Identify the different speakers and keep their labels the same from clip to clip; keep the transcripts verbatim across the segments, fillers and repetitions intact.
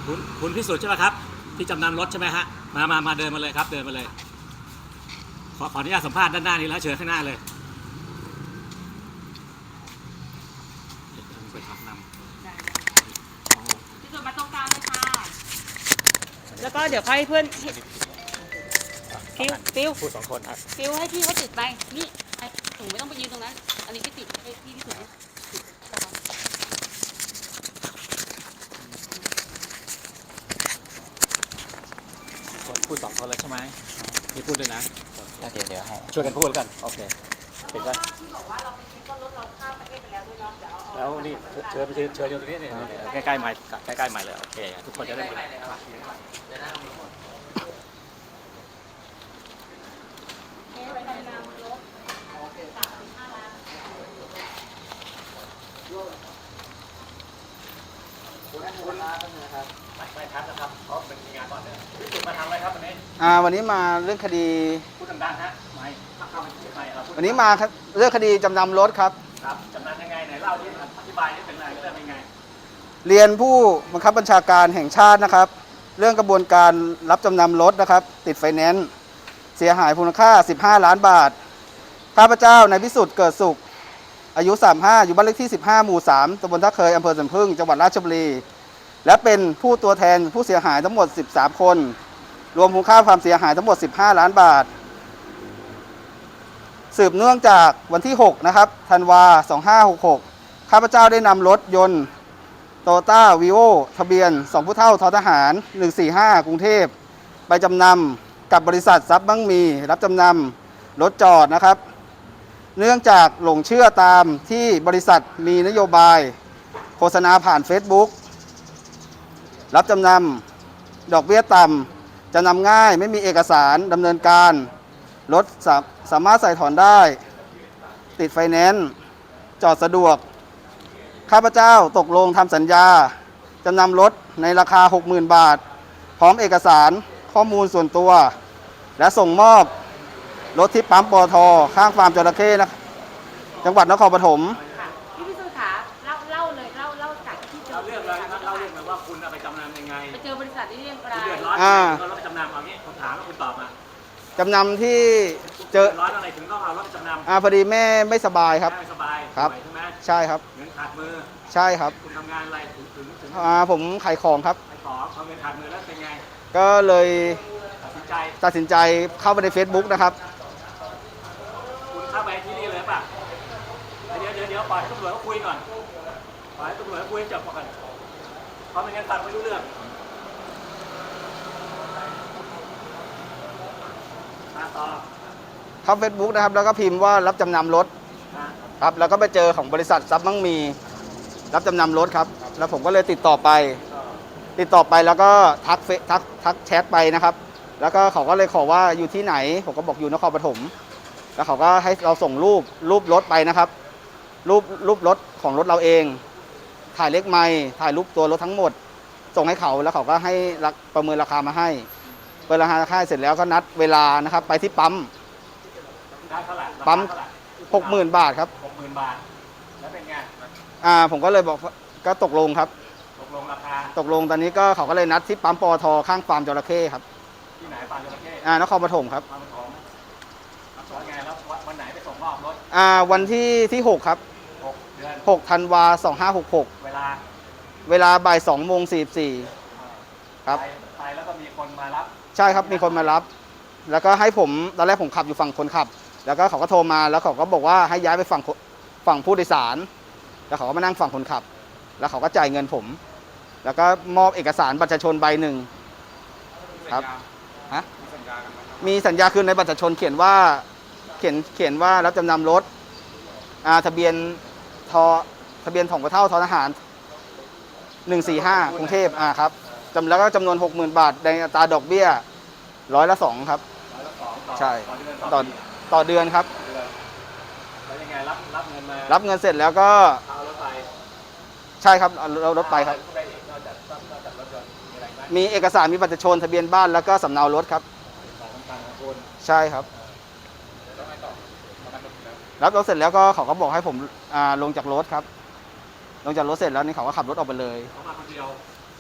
Speaker 1: คุณคุณพิสุทธิ์ใช่ไหมครับที่จำนำรถใช่ไหมฮะมามามาเดินมาเลยครับเดินมาเลยขอขออนุญาตสัมภาษณ์ด้านหน้านี้แล้วเชิญข้างหน้าเลยไปทักนำ
Speaker 2: พิสุทธิ์มาตรงกลางเลยค่ะแล้วก็เดี๋ยวค่อยให้เพื่อนฟิวฟิว
Speaker 1: พูดสองคนครับ
Speaker 2: ฟิวให้พี่เขาติดไปนี่ไอ้หนูไม่ต้องไปยืนตรงนั้นอันนี้พี่ติดให้พี่พิสุทธิ์ติด
Speaker 1: พูดสองคนเลยใช่ไหมนี่พูดด้วยนะ
Speaker 3: เดี๋ยวเดี๋ยวให้
Speaker 1: ช่วยกันพูดกันโอเคเห็นไหม
Speaker 2: ที่บอกว่าเราไปซื้อต้นรถเราข้ามประเทศไปแล้วด้วยเนาะเดี๋ยวเอา
Speaker 1: แล้วนี่เชิญไปเชิญเชิญอยู่ตรงนี้นี่ใกล้ๆใหม่ใกล้ๆใหม่เลยโอเคทุกคนจะได้ยินไม่ทันนะครับเพราะเป็นงานก่อนเนี่ยพี่สุดมาทำอะไรครับวันนี้
Speaker 3: อ่าวันนี้มาเรื่องคดี
Speaker 1: พูดดังๆฮะไม่ถ้าเข้าไปไม่เราพูด
Speaker 3: วันนี้มาเรื่องคดีจำนำรถครับ
Speaker 1: ครับจำนำยังไงไหนเล่าที่อธิบายนี่เป็นอะไรเรื่องยังไง
Speaker 3: เรียนผู้บังคับบัญชาการแห่งชาตินะครับ เรื่องกระบวนการรับจำนำรถนะครับ ติดไฟแนนซ์เสียหายมูลค่าสิบห้าล้านบาทข้าพเจ้านายพิสุทธิ์เกิดสุขอายุสามสิบห้าอยู่บ้านเลขที่สิบห้าหมู่สามตำบลท่าเคยอำเภอสวนพึ่งจังหวัดราชบุรีและเป็นผู้ตัวแทนผู้เสียหายทั้งหมดสิบสามคนรวมมูลค่าความเสียหายทั้งหมดสิบห้าล้านบาทสืบเนื่องจากวันที่หกนะครับธันวาสองพันห้าร้อยหกสิบหกข้าพเจ้าได้นำรถยนต์โตโยต้าวีโอทะเบียนสองผู้เท่าททหารหนึ่งสี่ห้ากรุงเทพไปจำนำกับบริษัททรัพย์มั่งมีรับจำนำรถจอดนะครับเนื่องจากหลงเชื่อตามที่บริษัทมีนโยบายโฆษณาผ่าน Facebook รับจำนำดอกเบี้ยต่ำจำนำง่ายไม่มีเอกสารดำเนินการรถสาสามารถใส่ถอนได้ติดไฟแนนซ์จอดสะดวกข้าพเจ้าตกลงทำสัญญาจำนำรถในราคา หกหมื่น บาทพร้อมเอกสารข้อมูลส่วนตัวและส่งมอบรถที่ปั๊มปตท.ข้างฟาร์มจระเข้นะจังหวัดนครปฐม
Speaker 2: ค่ะพี่พิสุทธิ์ขาเล่าเล่าเลยเล่าเล่าจากที่เจอ
Speaker 1: เราเรื่องเลยครับเราเรื่องเลยว่าคุณเอาไปจำนำยังไง
Speaker 2: ไปเจอบริษัทที่เรียงราย
Speaker 1: เดือดร้อน
Speaker 3: อ่า
Speaker 1: เราไปจำนำเอางี้ผมถามแล้วคุณตอบมา
Speaker 3: จำนำที่เจอ
Speaker 1: เดือดร้อนอะไรถึงต้องเอารถไปจำนำ
Speaker 3: อ่าพอดีแม่ไม่สบายครับ
Speaker 1: ได้สบาย
Speaker 3: ครับ
Speaker 1: ใช่ไหม
Speaker 3: ใช่ครับ
Speaker 1: เงินขาดมือ
Speaker 3: ใช่ครับ
Speaker 1: คุณทำงานอะไรถึงถึงถึง
Speaker 3: อ่าผมขายของครับ
Speaker 1: ไปขอเอาเงินขาดมือแล้วเป็นไง
Speaker 3: ก็เลย
Speaker 1: ตัดสินใจ
Speaker 3: ตัดสินใจเข้าไปใน Facebook นะครับ
Speaker 1: คุณเข้าไปที่นี่เลยป่ะเดี๋ยวเดี๋ยวเดี๋ยวปล่อยให้ตำรวจเขาคุยก่อนปล่อยให้ตำรวจเขาคุยจบก่อนเพราะไม่งั้นฟังไม่รู้เรื่องมาต่อ
Speaker 3: เข้า Facebook นะครับแล้วก็พิมพ์ว่ารับจำนำรถ
Speaker 1: นะครับ
Speaker 3: แล้วก็ไปเจอของบริษัททรัพย์มั่งมี รับจำนำรถครับแล้วผมก็เลยติดต่อไป ติดต่อไปแล้วก็ทักเฟซทักทักแชทไปนะครับ แล้วก็เขาก็เลยขอว่าอยู่ที่ไหนผมก็บอกอยู่นครปฐมแล้วเขาก็ให้เราส่งรูปรูปรถไปนะครับ รูปรูปรถของรถเราเอง ถ่ายเล็กไมล์ถ่ายรูปตัวรถทั้งหมด ส่งให้เขาแล้วเขาก็ให้รักประเมินราคามาให้ประเมินราคาให้เสร็จแล้วก็นัดเวลานะครับ ไปที่ปั๊ม
Speaker 1: ได้เท่าไหร่
Speaker 3: ปั๊ม หกหมื่น บาทครับ
Speaker 1: หกหมื่นบาทแล้วเป็นไง
Speaker 3: อ่าผมก็เลยบอกก็ตกลงครับ
Speaker 1: ตกลงราคา
Speaker 3: ตกลงตอนนี้ก็เขาก็เลยนัดที่ปั๊มปอทข้างฟาร์มจระเข้ครับ
Speaker 1: ที่ไหนฟาร์มจระเข้
Speaker 3: อ่านครปฐมครับ
Speaker 1: ฟาร์มของแล้วไงแล้ววันไหนไปส่งมอบรถ
Speaker 3: อ่าวันที่ที่หกครับ
Speaker 1: หกเดือน
Speaker 3: หกธันวาสองห้าหกหก
Speaker 1: เวลา
Speaker 3: เวลาบ่ายสองโมงสี่สี่ ครับ
Speaker 1: ไปไปแล้วก็มีคนมารับ
Speaker 3: ใช่ครับมีคนมารับ แล้วก็ให้ผมตอนแรกผมขับอยู่ฝั่งคนขับ แล้วก็เขาก็โทรมาแล้วเขาก็บอกว่าให้ย้ายไปฝั่งฝั่งผู้โดยสาร แล้วเขาก็มานั่งฝั่งคนขับ แล้วเขาก็จ่ายเงินผม แล้วก็มอบเอกสารบัตรประชาชนใบหนึ่งครับฮะมีสัญญาคือในบัตรประชาชนเขียนว่าเขียนเขียนว่ารับจำนำรถอ่าทะเบียนทอทะเบียนของกระเท่าทอทหารหนึ่งสี่ห้ากรุงเทพอ่าครับจำแล้วก็จำนวนหกหมื่นบาทในอัตราดอกเบี้ยร้อยละสองครับ
Speaker 1: ร้อยละสองต่อ
Speaker 3: ใช่
Speaker 1: ต่อเดือนต่อ
Speaker 3: ต่อต่อเดือนครับ
Speaker 1: เดือนแล้วยังไงรับรับเงินมา
Speaker 3: รับเงินเสร็จแล้วก็
Speaker 1: เอารถไป
Speaker 3: ใช่ครับเอาเรารถไปครับ
Speaker 1: เอาอะอีกนอกจากนอกจากรถยนต์มีอะไรไหม
Speaker 3: มีเอกสารมีบัตรประชาชนทะเบียนบ้านแล้วก็สำเนารถครับ
Speaker 1: ของสำคัญของคุณ
Speaker 3: ใช่ครับ
Speaker 1: แล้วไงต่อประกันรถแล้ว
Speaker 3: รับรถเสร็จแล้วก็เขาก็บอกให้ผมอ่าลงจากรถครับ ลงจากรถเสร็จแล้วนี่เขาก็ขับรถออกไปเลย
Speaker 1: เขามาคนเดียว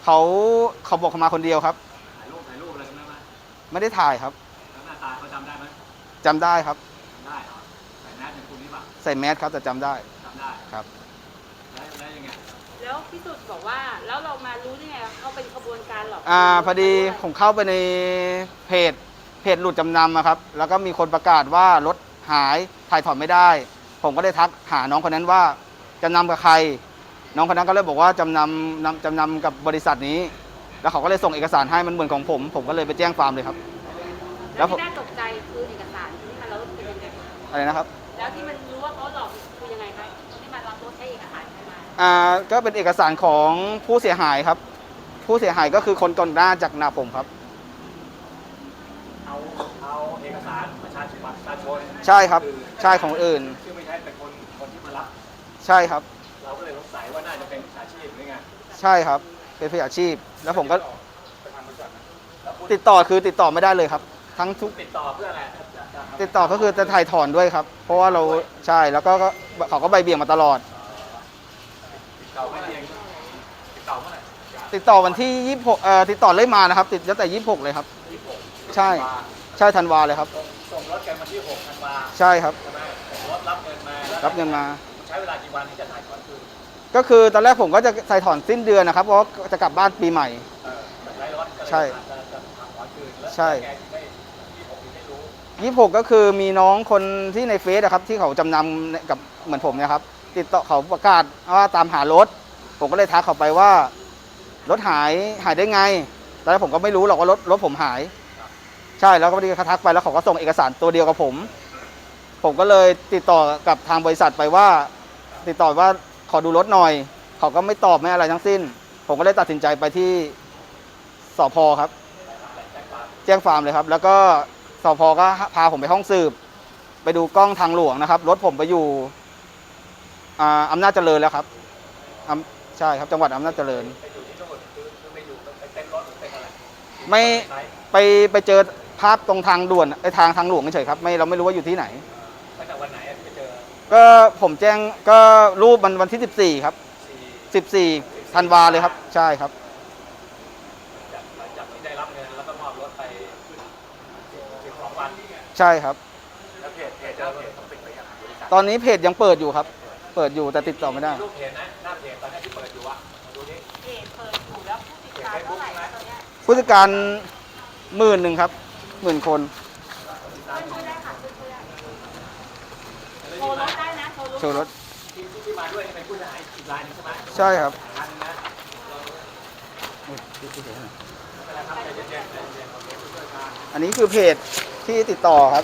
Speaker 3: เขาเขาบอกเขามาคนเดียวครับ
Speaker 1: ถ่ายรูปถ่ายรูปอะไรกันไหม
Speaker 3: ไม่ได้ถ่ายครับ
Speaker 1: แล้วหน้าตาเขาจำได้ไหม
Speaker 3: จำได้ครับ
Speaker 1: จำได้เหรอใส่แมสเป็นคุณนี่ป่ะ
Speaker 3: ใส่แมสครับแต่จำได้
Speaker 1: จำได้
Speaker 3: ครับ
Speaker 1: แล้วแล้วยังไง
Speaker 2: แล้วพี่สุดบอกว่าแล้วเรามารู้ได้ไงว่าเขาเป็นขบวนการหลอก
Speaker 3: อ่าพอดีผมเข้าไปในเพจเพจหลุดจำนำอะครับ แล้วก็มีคนประกาศว่ารถหายถ่ายถอนไม่ได้ ผมก็ได้ทักหาน้องคนนั้นว่าจำนำกับใคร น้องคนนั้นก็เลยบอกว่าจำนำนำจำนำกับบริษัทนี้ แล้วเขาก็เลยส่งเอกสารให้มันเหมือนของผม ผมก็เลยไปแจ้งความเลยครับ แล้
Speaker 2: แล้ว ว
Speaker 3: ผม
Speaker 2: ที่น่าตกใจคือเอกสารที่มาแล้วเป็นยังไง
Speaker 3: อะไรนะครับ
Speaker 2: แล้วที่มันรู้ว่าเขาหลอกคือยังไงคะที่มารับรถใช้เอกสารใช่ไหม
Speaker 3: อ่าก็เป็นเอกสารของผู้เสียหายครับ ผู้เสียหายก็คือคนก่อนหน้าจากหนาผมครับ
Speaker 1: เอาเอาเอกสารประชาชนบัตรประชาชน
Speaker 3: ใช่ครับใช่ของอื่น
Speaker 1: ชื่อไม่ใช่เป็นคนคนที่มารับ
Speaker 3: ใช่ครับ
Speaker 1: เราก็เลยสงสัยว่าน่าจะเป็นมิจฉาชีพหรือไง
Speaker 3: ใช่ครับเป็นผู้อาชีพ แล้วผมก็
Speaker 1: ไปทางบริษัทนะแล้วคุณ
Speaker 3: ติดต่อคือติดต่อไม่ได้เลยครับ ทั้งทุก
Speaker 1: ติดต่อเพื่ออะไรจะจะจะ
Speaker 3: ติดต่อก็คือจะถ่ายถอนด้วยครับ เพราะว่าเราใช่แล้วก็ก็เขาก็ใบเบี่ยงมาตลอด
Speaker 1: ติดต่อไม่เองติดต่อเมื่อไหร่
Speaker 3: ติดต่อวันที่ยี่สิบหกเอ่อติดต่อเล่ยมานะครับ ติดตั้งแต่ยี่สิบหกเลยครับ
Speaker 1: ยี่สิบหก
Speaker 3: ใช่ใช่ธันวาเลยครับ
Speaker 1: ส่งส่งรถกันวันที่หกธันวา
Speaker 3: ใช่ครับ
Speaker 1: ใช่ไหมส่งรถรับเงินมาแล้ว
Speaker 3: รับเงินมา
Speaker 1: ใช้เวลากี่วันที่จะถ่ายถอนคืน
Speaker 3: ก็คือตอนแรกผมก็จะใส่ถอนสิ้นเดือนนะครับเพราะว่าจะกลับบ้านปีใหม่
Speaker 1: เออแบบไร้รถก็เลย
Speaker 3: ใช่
Speaker 1: จะจะถอนถอนคืนแล้ว
Speaker 3: ใช่
Speaker 1: แกถึงได้ยี่สิบหกถึงได้รู้
Speaker 3: ยี่สิบหกก็คือมีน้องคนที่ในเฟซนะครับที่เขาจำนำกับเหมือนผมเนะครับ ติดต่อเขาประกาศว่าตามหารถ ผมก็เลยทักเขาไปว่ารถหายหายได้ไงตอนแรกผมก็ไม่รู้หรอกว่ารถรถผมหาย ใช่แล้วก็พอดีเขาทักไปแล้วเขาก็ส่งเอกสารตัวเดียวกับผม ผมก็เลยติดต่อกับทางบริษัทไปว่า ติดต่อว่าขอดูรถหน่อย เขาก็ไม่ตอบไม่อะไรทั้งสิ้น ผมก็เลยตัดสินใจไปที่สพครับ แจ้งความเลยครับ แล้วก็สพก็พาผมไปห้องสืบ ไปดูกล้องทางหลวงนะครับ รถผมไปอยู่อ่าอำนาจเจริญแล้วครับอำใช่ครับจังหวัดอำนาจเจริญ
Speaker 1: ไปอยู่ที่นู่นคือคือไปอยู่ไปเต้นรถหรือเป็นอะไร
Speaker 3: ไม่
Speaker 1: ใช้
Speaker 3: ไปไปเจอภาพตรงทางด่วนไอ้ทางทางหลวงเฉยๆครับไม่เราไม่รู้ว่าอยู่ที่ไหน
Speaker 1: ตั้งแต่วันไหนอะที่ไปเจอ
Speaker 3: ก็ผมแจ้งก็รูปมันวันที่สิบสี่ครับ
Speaker 1: สี่
Speaker 3: สิบสี่ธันวาเลยครับ ใช่ครับ
Speaker 1: จากหลังจากที่ได้รับเงินแล้วก็มอบรถไปสิบสองวัน
Speaker 3: ใช่ครับ
Speaker 1: แล้วเพจเพจเจ้าเพจต้องปิดไปยังบริษัท
Speaker 3: ตอนนี้เพจยังเปิดอยู่ครับ เปิดอยู่แต่ติดต่อไม่ได้
Speaker 1: รูปเพจนะหน้าเพจตอนนี้ที่เปิดอยู่อะดูดิ
Speaker 2: เพจเปิดอยู่แล้วผู้ติดตามเท่าไหร่แล้วตอนเนี้ย
Speaker 3: ผู้จัดการหมื่นหนึ่งครับหมื่นคน
Speaker 2: ช่วยได้ค่ะช่วยได้โชว์รถได้นะโชว์รถ
Speaker 3: โชว์รถ
Speaker 1: ที่ที่ที่มาด้วยนี่เป็นผู้เสียหายอีกรายหนึงใช่ไหม
Speaker 3: ใช่ครับ
Speaker 1: อันนะไม่เป็นไรครับใจเย็นๆใจเย็นๆโอเคผู้ช่วยการ
Speaker 3: อันนี้คือเพจที่ติดต่อครับ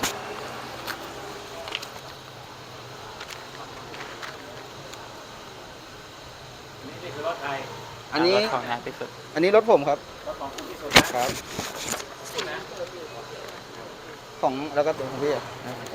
Speaker 1: นี่นี่คือรถใคร
Speaker 3: อันนี้
Speaker 4: รถของนายพิสุทธิ์
Speaker 3: อันนี้รถผมครับ
Speaker 1: รถของคุณที่สุดนะครับ คุณนะ
Speaker 3: ของแล้วก็ตัวของพี่อะ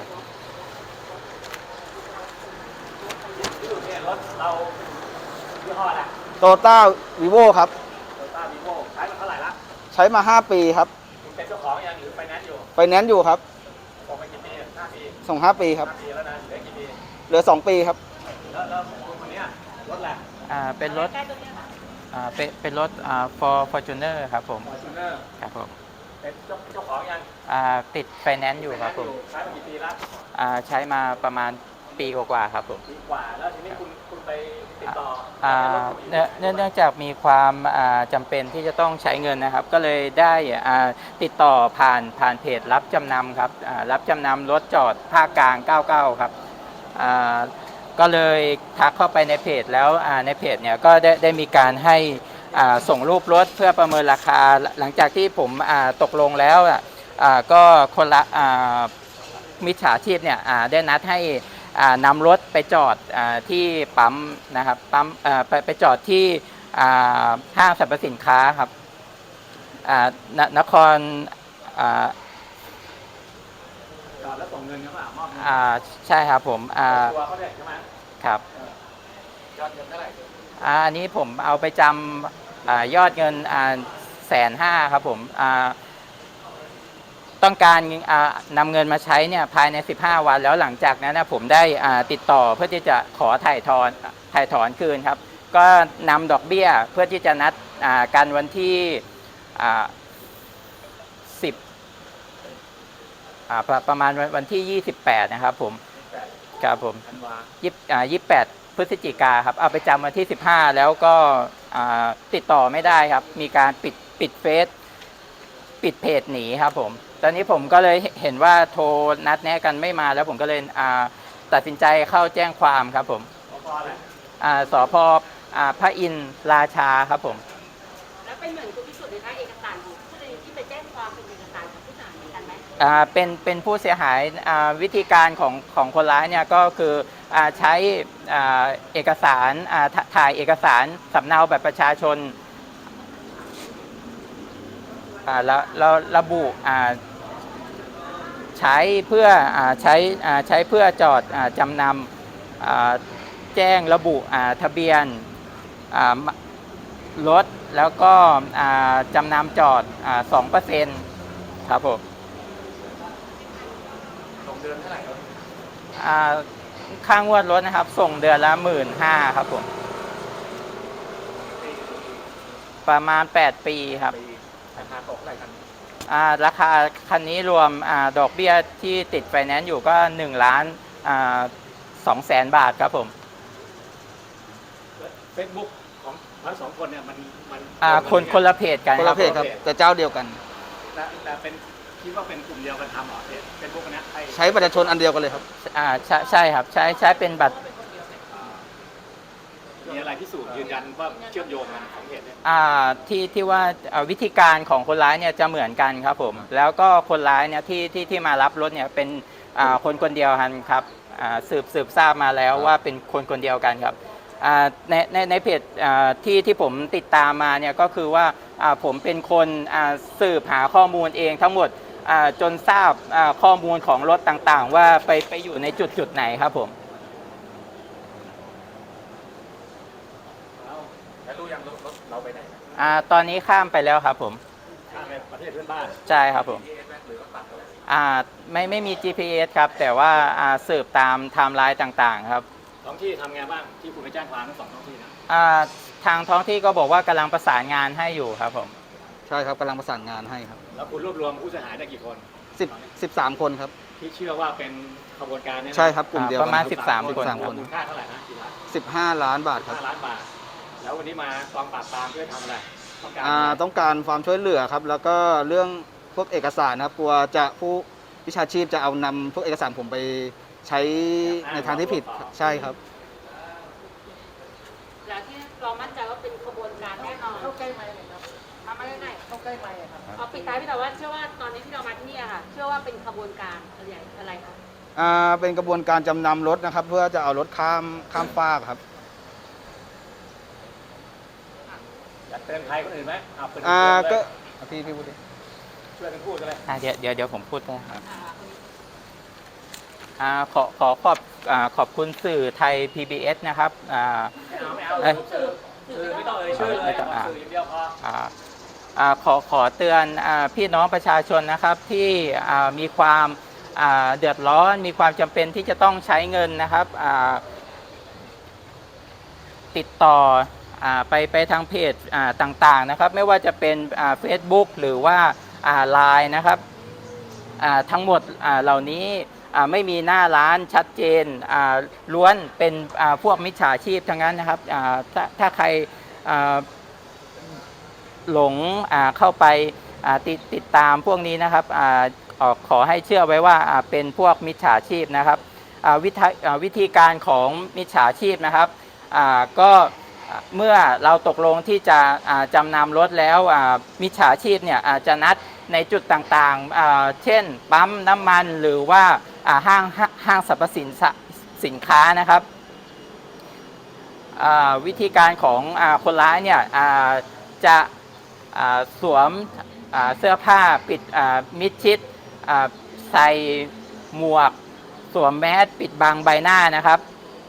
Speaker 1: ที่สุดเนี่ยรถเรายี่ห้ออะไร
Speaker 3: โตต้าวีโวครับ
Speaker 1: โตต้าวีโวใช้มาเท่าไหร่ละ
Speaker 3: ใช้มาห้าปีครับ
Speaker 1: คุณเป็นเจ้าของยังหรือไฟแนนซ์อยู่
Speaker 3: ไปแนนซ์อยู่ครับ
Speaker 1: ส่งไปกี่ปีห้าปี
Speaker 3: ส่งห้าปีครับ
Speaker 1: ห้าปีแล้วนะเหลือกี่ปี
Speaker 3: เหลือสองปีครับ
Speaker 1: แล้วแล้วคุณคนเนี้ยรถแหละ
Speaker 4: อ่าเป็นรถ
Speaker 2: ใกล้ตัวเนี้ยค่ะ
Speaker 4: อ่าเป็นเป็นรถอ่า for fortuner ครับผม
Speaker 1: ฟอร์จูเนอร์
Speaker 4: ครับผม
Speaker 1: เป็นเจ้าเจ้าของยัง
Speaker 4: อ่าติดไฟแนนซ์อยู่ครับผม
Speaker 1: ใช้มากี่ปีละ
Speaker 4: อ่าใช้มาประมาณปีกว่าๆครับผม
Speaker 1: ปีกว่าแล้วทีนี้คุณคุณไปติดต่อ
Speaker 4: อ่า
Speaker 1: อ่า
Speaker 4: เนื่องเนื่องเนื่องจากมีความอ่าจำเป็นที่จะต้องใช้เงินนะครับ ก็เลยได้อ่าติดต่อผ่านผ่านเพจรับจำนำครับอ่ารับจำนำรถจอดภาคกลางเก้าเก้าครับอ่าก็เลยทักเข้าไปในเพจแล้วอ่าในเพจเนี่ยก็ได้ได้มีการให้อ่าส่งรูปรถเพื่อประเมินราคาหลังจากที่ผมอ่าตกลงแล้วอ่ะอ่าก็คนละอ่ามิจฉาชีพเนี่ยอ่าได้นัดให้อ่านำรถไปจอดอาที่ปั๊มนะครับปั๊มอ่าไปไปจอดที่อ่าห้างสรรพสินค้าครับอ่านนครอ่า
Speaker 1: จอดแล้วส่งเงินเขาเปล่ามอบเงิน
Speaker 4: อ่าใช่ครับผมอ่า
Speaker 1: ตัวเขาเนี่ยใช่ไหม
Speaker 4: ครับ
Speaker 1: ยอดเงินเท่าไหร่
Speaker 4: อ่าอันนี้ผมเอาไปจำอายอดเงินอ่าแสนห้าครับผมอ่าต้องการอ่านำเงินมาใช้เนี่ยภายในสิบห้าวันแล้วหลังจากนั้นนะผมได้อ่าติดต่อเพื่อที่จะขอถ่ายถอนถ่ายถอนคืนครับก็นำดอกเบี้ยเพื่อที่จะนัดอ่ากันวันที่อ่าสิบอ่าประประมาณวันวันที่ยี่สิบแปดนะครับผมครับผม
Speaker 1: ธันวา
Speaker 4: ยี่อ่ายี่แปดพฤศจิกาครับเอาไปจำวันที่สิบห้าแล้วก็อ่าติดต่อไม่ได้ครับมีการปิดปิดเฟซปิดเพจหนีครับผมตอนนี้ผมก็เลยเห็นว่าโทรนัดแนะกันไม่มาแล้วผมก็เลยอ่าตัดสินใจเข้าแจ้งความครับผม
Speaker 1: สพอะไร
Speaker 4: อ่าสพอ่าพระอินทร์ราชาครับผม
Speaker 2: แล้วเป็นเหมือนคุณพิสุทธิ์เลยนะเอกสารของผู้ใดที่ไปแจ้งความเป็นเอกสารของผู้เสียหายเหมือนกันไหม
Speaker 4: อ่าเป็นเป็นผู้เสียหายอ่าวิธีการของของคนร้ายเนี่ยก็คืออ่าใช้อ่าเอกสารอ่าถถ่ายเอกสารสำเนาแบบประชาชนอ่าแล้วแล้วระบุอ่าใช้เพื่ออ่าใช้อ่าใช้เพื่อจอดอ่าจำนำอ่าแจ้งระบุอ่าทะเบียนอ่ารถแล้วก็อ่าจำนำจอดอ่าสองเปอร์เซ็นต์ครับผม
Speaker 1: ส่งเดือนเท่าไหร่ครับ
Speaker 4: อ่าค่างวดรถนะครับ ส่งเดือนละหมื่นห้าครับผมประมาณแปดปีครับ
Speaker 1: ปีราคาตกเท่าไหร่กัน
Speaker 4: อ่าราคาคันนี้รวมอ่าดอกเบี้ยที่ติดไฟแนนซ์อยู่ก็หนึ่งล้านสองแสนบาทครับผม
Speaker 1: เฟซบุ๊กของทั้งสองคนเนี่ยมันมัน
Speaker 4: อ่าคนคนละเพจกัน
Speaker 3: คน
Speaker 4: ครั
Speaker 3: ละ
Speaker 4: บ
Speaker 3: เพจครับแต่เจ้าเดียวกัน
Speaker 1: แต่แต่เป็นคิดว่าเป็นกลุ่มเดียวกันทำเหรอเฟซบุ๊กนะใช่
Speaker 3: ใช้ประชาชนอันเดียวกันเลยครับ
Speaker 4: อ่าใช่ใช่ครับใช้ใช้เป็นบัตร
Speaker 1: มีอะไรพิสูจน์ยืนยันว่าเชื่อมโยงกันของเพจเนี่ย
Speaker 4: อ่าที่ที่ว่าเอ่อวิธีการของคนร้ายเนี่ยจะเหมือนกันครับผมแล้วก็คนร้ายเนี่ยที่ที่ที่มารับรถเนี่ยเป็นอ่าคนคนเดียวกันครับอ่าสืบสืบทราบมาแล้วว่าเป็นคนคนเดียวกันครับอ่าในในในเพจอ่าที่ที่ผมติดตามมาเนี่ยก็คือว่าอ่าผมเป็นคนอ่าสืบหาข้อมูลเองทั้งหมดอ่าจนทราบอ่าข้อมูลของรถต่างๆ ว่าไปไปอยู่ในจุดจุดไหนครับผม
Speaker 1: แล้วรู้ยังรถเราไปไหน
Speaker 4: อ่าตอนนี้ข้ามไปแล้วครับผม
Speaker 1: ข้ามไปประเทศเพื่อนบ้าน
Speaker 4: ใช่ครับผม
Speaker 1: หรือว่าปัดอะไร
Speaker 4: อ่าไม่ไม่มี จี พี เอส ครับแต่ว่าอ่าสืบตามไทม์ไลน์ต่างๆครับ
Speaker 1: ท้องที่ทำไงบ้างที่คุณไปแจ้งความทั้งสองท้องที่นะ
Speaker 4: อ่าทางท้องที่ก็บอกว่ากำลังประสานงานให้อยู่ครับผม
Speaker 3: ใช่ครับกำลังประสานงานให้ครับ
Speaker 1: แล้วคุณรวบรวมผู้เสียหายได้กี่คน
Speaker 3: สิบ สิบสามคนครับ
Speaker 1: ที่เชื่อว่าเป็นขบวนการเนี่ยนะ
Speaker 3: ใช่ครับกลุ่มเดียว
Speaker 4: ป
Speaker 3: กั
Speaker 4: ระ
Speaker 3: น
Speaker 4: มาณ
Speaker 3: ครับ
Speaker 4: สิบสาม
Speaker 1: คน
Speaker 4: คน
Speaker 3: สาม
Speaker 1: แล้ว
Speaker 3: คน
Speaker 1: มูลค่าเท่าไหร่นะกี่ล้าน
Speaker 3: สิบห้าล้านบาทครับ
Speaker 1: ห้าล้านบาท แล้ววันนี้มากองปราบปรามเพื่อทำอะไรต้องการ
Speaker 3: อ่าต้องการความช่วยเหลือครับ แล้วก็เรื่องพวกเอกสารนะครับกลัวจะผู้วิชาชีพจะเอานำพวกเอกสารผมไปใช้ในทางที่ผิดใช่ครับ
Speaker 2: แล้วที่เรามั่นใจว่าเป็นขบวนการแน่นอนเข้าใกล้ไหมครับมาไม่ได้เข้าใกล้ไหมครับเอาปิดท้ายพี่แต่ว่าเชื่อว่าตอนนี้ที่เรามาที่นี่อะค่ะ เชื่อว่าเป็นขบวนการอะไรอะไรคะ
Speaker 3: อ่าเป็นกระบวนการจำนำรถนะครับ เพื่อจะเอารถข้ามข้ามฟากครับ
Speaker 1: อยากเตือนใครคนอื่นไหมอ่าเปิด
Speaker 3: อ่า
Speaker 1: เตื
Speaker 3: ก็
Speaker 1: อนเลย
Speaker 3: พี่พี่พูดดิ
Speaker 1: ช่วยกันพูดกันเลย
Speaker 4: อ่าเดี๋ยวเดี๋ยวเดี๋ยวผมพูดนะครับ
Speaker 2: อ่า
Speaker 4: อ่าขอขอขอบอ่าขอบคุณสื่อไทย พี บี เอส นะครับอ่า
Speaker 1: ไม่เอาไม่เอา
Speaker 4: เอ้ย
Speaker 1: สื่อสื่อไม่ต้องเอ่ยชื่อเลย
Speaker 4: ไม่ต้องอ่ะ
Speaker 1: สื่ออย่างเดียวพอ
Speaker 4: อ่าอ่าขอขอเตือนอาพี่น้องประชาชนนะครับที่อ่ามีความอ่าเดือดร้อนมีความจำเป็นที่จะต้องใช้เงินนะครับอ่าติดต่ออาไปไปทางเพจอ่าต่างๆนะครับไม่ว่าจะเป็นเฟซบุ๊กหรือว่าไลน์นะครับอ่าทั้งหมดอ่าเหล่านี้อ่าไม่มีหน้าร้านชัดเจนอ่าล้วนเป็นอ่าพวกมิจฉาชีพทั้งนั้นนะครับอ่าถ้าถ้าใครอ่าหลงอ่าเข้าไปอ่าติดติดตามพวกนี้นะครับอ่าออกขอให้เชื่อไว้ว่าอ่าเป็นพวกมิจฉาชีพนะครับอ่าวิธีอ่าวิธีการของมิจฉาชีพนะครับอ่าก็เมื่อเราตกลงที่จะอ่าจำนำรถแล้วอ่ามิจฉาชีพเนี่ยอาจจะนัดในจุดต่างๆอ่าเช่นปั๊มน้ำมันหรือว่าอ่าห้างห้างสรรพสินสินค้านะครับอ่าวิธีการของอ่าคนร้ายเนี่ยอ่าจะอ่าสวมอ่าเสื้อผ้าปิดอ่ามิดชิดอ่าใส่หมวกสวมแมสปิดบังใบหน้านะครับ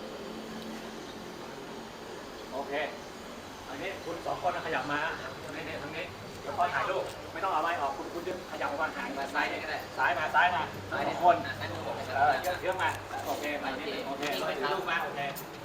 Speaker 1: โอเคอันนี้คุณสองคนขยับมาทางนี้ทางนี้เดี๋ยวพอถ่ายรูปไม่ต้องเอาไม้ออกคุณคุณดึงขยับออกมาห่างมาซ้ายก็ได้ซ้ายมาซ้ายมาสองคนเออเยอะๆมาโอเคมาโอเคเราถือรูปมาโอเค